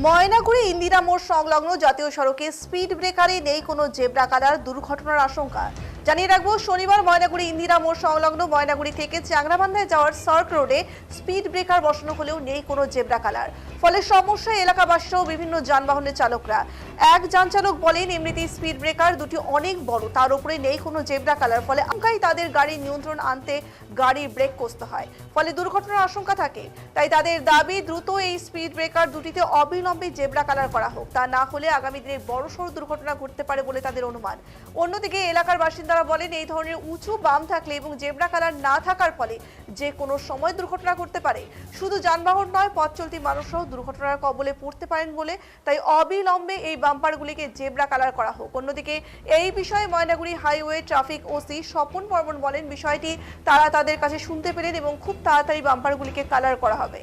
ময়নাগুড়ি ইন্দিরা মোড় সংলগ্ন জাতীয় সড়কে স্পিড ব্রেকারে নেই কোনো জেব্রা কালার, দুর্ঘটনার আশঙ্কা। জানিয়ে রাখবো, শনিবার ময়নাগুড়ি ইন্দিরা মোড় সংলগ্ন ময়নাগুড়ি থেকে চ্যাংরাবান্ধায় যাওয়ার সার্ক রোডে স্পিড ব্রেকার বসানো হলেও নেই কোনো জেব্রা কালার। ফলে সমস্যায় এলাকাবাসী সহ বিভিন্ন যানবাহনের চালকরা। এক যান চালক বলেন, এমনিতেই স্পিড ব্রেকার দুটি অনেক বড়, তার উপরে নেই কোনো জেব্রা কালার, ফলে আশঙ্কায় তাদের গাড়ির নিয়ন্ত্রণ আনতে গাড়ির ব্রেক কষতে হয়, ফলে দুর্ঘটনার আশঙ্কা থাকে। তাই তাদের দাবি, দ্রুত এই স্পিড ব্রেকার দুটিতে অবিলম্বে জেব্রা কালার করা হোক, তা না হলে আগামী দিনে বড়সড় দুর্ঘটনা ঘটতে পারে বলে তাদের অনুমান। অন্যদিকে এলাকার বাসিন্দারা বলেন, এই ধরনের উঁচু বাম থাকলে এবং জেব্রা কালার না থাকার ফলে যে কোনো সময় দুর্ঘটনা ঘটতে পারে। শুধু যানবাহন নয়, পথ চলতি মানুষরাও দুর্ঘটনার কবলে পড়তে পারেন বলে তাই অবিলম্বে এই বাম্পারগুলিকে জেব্রা কালার করা হোক। অন্যদিকে এই বিষয়ে Maynaguri highway traffic OC Swapan Barman বলেন, বিষয়টি তারা তাদের কাছে শুনতে পেলেন এবং খুব তাড়াতাড়ি বাম্পারগুলিকে কালার করা হবে।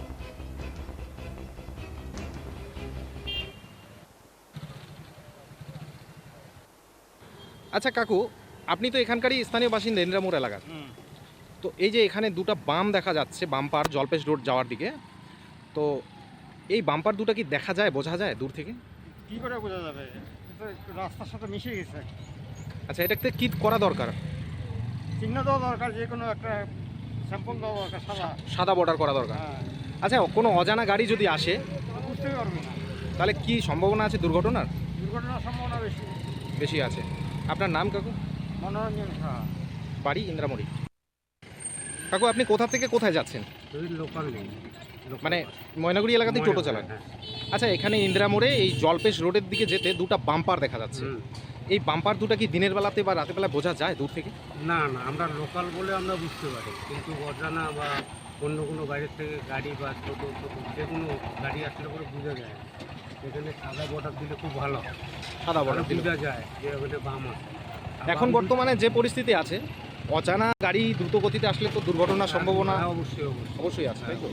আচ্ছা কাকু, আপনি তো এখানকারই স্থানীয় বাসিন্দা, ইন্দিরা মোড় এলাকার। তো এই যে এখানে দুটো বাম দেখা যাচ্ছে, বাম্পার জলপেশ রোড যাওয়ার দিকে, তো এই বাম্পার দুটো কি দেখা যায়, বোঝা যায় দূর থেকে? কি করে বোঝা যাবে? রাস্তার সাথে মিশে গেছে। আচ্ছা, এটাতে কি করা দরকার? চিহ্ন দেওয়া দরকার, যে কোনো একটা স্যাম্পল দেওয়া দরকার, সাদা বর্ডার করা দরকার। হ্যাঁ, আচ্ছা, কোনো অজানা গাড়ি যদি আসে বুঝতেই পারবে না, তাহলে কি সম্ভাবনা আছে দুর্ঘটনার? দুর্ঘটনার সম্ভাবনা বেশি বেশি আছে। আপনার নাম কাকু? মনোরঞ্জন সাহা। বাড়ি ইন্দিরামোড়ি। কাকু, আপনি কোথা থেকে কোথায় যাচ্ছেন? লোকাল নেই, মানে ময়নাগুড়ি এলাকাতেই টোটো চালান? আচ্ছা, এখানে ইন্দিরা মোড়ে এই জলপেশ রোডের দিকে যেতে দুটো বাম্পার দেখা যাচ্ছে। এই বাম্পার দুটো কি দিনের বেলাতে বা রাতের বেলা বোঝা যায় দূর থেকে? না না, আমরা লোকাল বলে আমরা বুঝতে পারি, কিন্তু অজানা বা অন্য কোনো বাইরের থেকে গাড়ি বা ছোটো ছোটো যে কোনো গাড়ি আসলে করে বোঝা যায় না। এখানে সাদা বর্ডার দিলে খুব ভালো, সাদা বর্ডার দিলে বোঝা যায় যে ওখানে বাম আছে। এখন বর্তমানে যে পরিস্থিতি আছে, অজানা গাড়ি দ্রুত গতিতে আসলে তো দুর্ঘটনার সম্ভাবনা অবশ্যই অবশ্যই অবশ্যই আছে, তাই তো?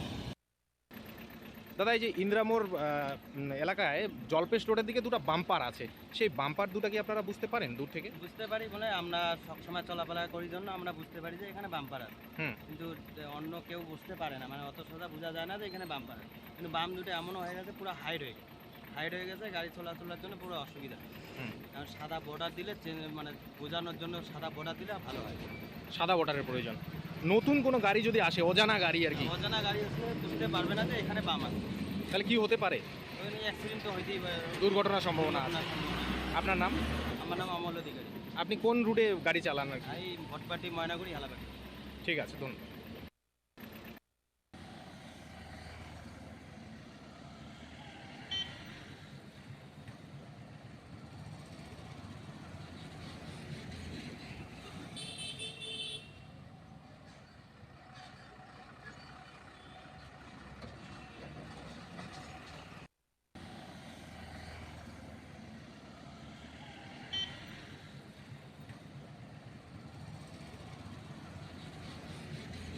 দাদা, এই যে ইন্দিরামোড় এলাকায় জলপেশ রোডের দিকে দুটো বাম্পার আছে, সেই বাম্পার দুটো কি আপনারা বুঝতে পারেন দূর থেকে? বুঝতে পারি বলে আমরা সবসময় চলাফেরা করি জন্য আমরা বুঝতে পারি যে এখানে বাম্পার আছে। কিন্তু অন্য কেউ বুঝতে পারে না, মানে অত সোজা বোঝা যায় না যে এখানে বাম্পার আছে। কিন্তু বাম দুটো এমনও হয়ে গেছে, পুরো হাইড হয়ে গেছে, গাড়ি চলাচলের জন্য পুরো অসুবিধা। কারণ সাদা বর্ডার দিলে মানে বোঝানোর জন্য সাদা বর্ডার দিলে ভালো হয়। সাদা বর্ডারের প্রয়োজন। নতুন কোনো গাড়ি যদি আসে, অজানা গাড়ি আর কি, অজানা গাড়ি আসলে বুঝতে পারবে না যে এখানে বাম আছে, তাহলে কি হতে পারে? অ্যাক্সিডেন্ট তো হইতেই পারে, দুর্ঘটনার সম্ভাবনা আছে। আপনার নাম? আমার নাম অমল অধিকারী। আপনি কোন রুটে গাড়ি চালান আর কি? এই ভটপাটি ময়নাগুড়ি হালাবাটি। ঠিক আছে, ধন্যবাদ।